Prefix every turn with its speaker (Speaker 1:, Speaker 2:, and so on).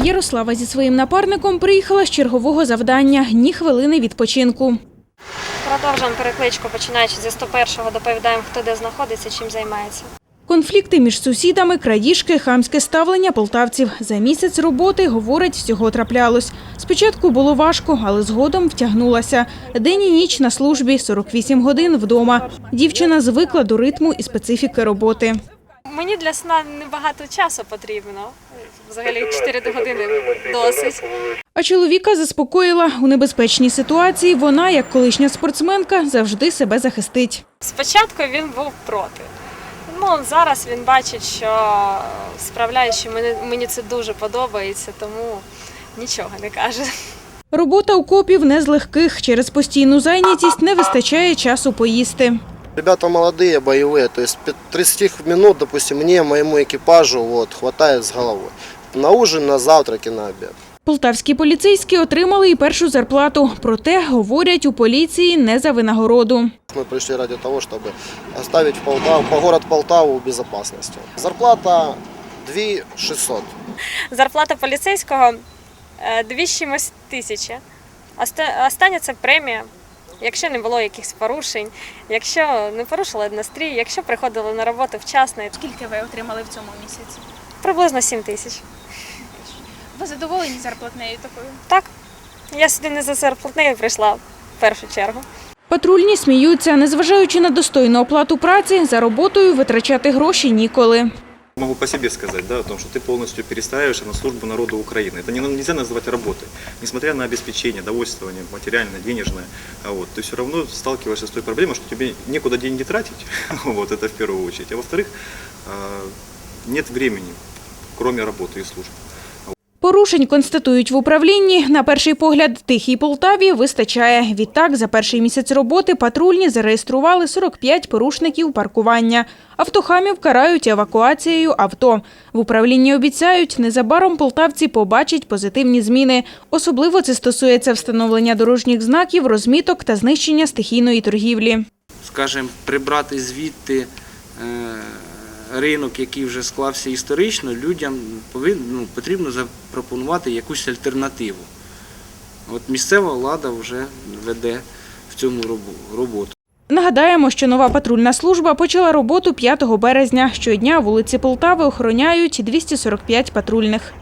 Speaker 1: Ярослава зі своїм напарником приїхала з чергового завдання – ні хвилини відпочинку.
Speaker 2: Продовжуємо перекличку, починаючи зі 101-го, доповідаємо, хто де знаходиться, чим займається.
Speaker 1: Конфлікти між сусідами, крадіжки, хамське ставлення полтавців. За місяць роботи, говорить, всього траплялось. Спочатку було важко, але згодом втягнулася. День і ніч на службі, 48 годин вдома. Дівчина звикла до ритму і специфіки роботи.
Speaker 2: Мені для сна небагато часу потрібно. Взагалі 4 години досить.
Speaker 1: А чоловіка заспокоїла. У небезпечній ситуації вона, як колишня спортсменка, завжди себе захистить.
Speaker 2: Спочатку він був проти. Зараз він бачить, що справляє, що мені це дуже подобається, тому нічого не каже.
Speaker 1: Робота у копів не з легких. Через постійну зайнятість не вистачає часу поїсти.
Speaker 3: Ребята молодые, боевые, то есть 30 минут, допустим, мне, моему экипажу хватает с головой. На ужин, на завтрак и на обед.
Speaker 1: Полтавські поліцейські отримали і першу зарплату. Проте, говорять, у поліції не за винагороду.
Speaker 3: Мы пришли ради того, чтобы оставить город Полтаву в безопасности. Зарплата 2600.
Speaker 2: Зарплата поліцейського 2 тисячі. Остання – це премія. Якщо не було якихось порушень, якщо не порушили настрій, якщо приходили на роботу вчасно.
Speaker 4: Скільки ви отримали в цьому місяці?
Speaker 2: Приблизно 7 тисяч.
Speaker 4: Ви задоволені зарплатнею такою?
Speaker 2: Так. Я сюди не за зарплатнею прийшла в першу чергу.
Speaker 1: Патрульні сміються. Незважаючи на достойну оплату праці, за роботою витрачати гроші ніколи.
Speaker 5: Могу по себе сказать, о том, что ты полностью перестраиваешься на службу народу Украины. Это нельзя называть работой. Несмотря на обеспечение, довольствование, материальное, денежное, ты все равно сталкиваешься с той проблемой, что тебе некуда деньги тратить, это в первую очередь. А во-вторых, нет времени, кроме работы и службы.
Speaker 1: Порушень, констатують в управлінні, на перший погляд тихій Полтаві вистачає. Відтак, за перший місяць роботи патрульні зареєстрували 45 порушників паркування. Автохамів карають евакуацією авто. В управлінні обіцяють, незабаром полтавці побачать позитивні зміни. Особливо це стосується встановлення дорожніх знаків, розміток та знищення стихійної торгівлі.
Speaker 6: Скажімо, прибрати звідти ринок, який вже склався історично, людям потрібно запропонувати якусь альтернативу. Місцева влада вже веде в цьому роботу.
Speaker 1: Нагадаємо, що нова патрульна служба почала роботу 5 березня. Щодня вулиці Полтави охороняють 245 патрульних.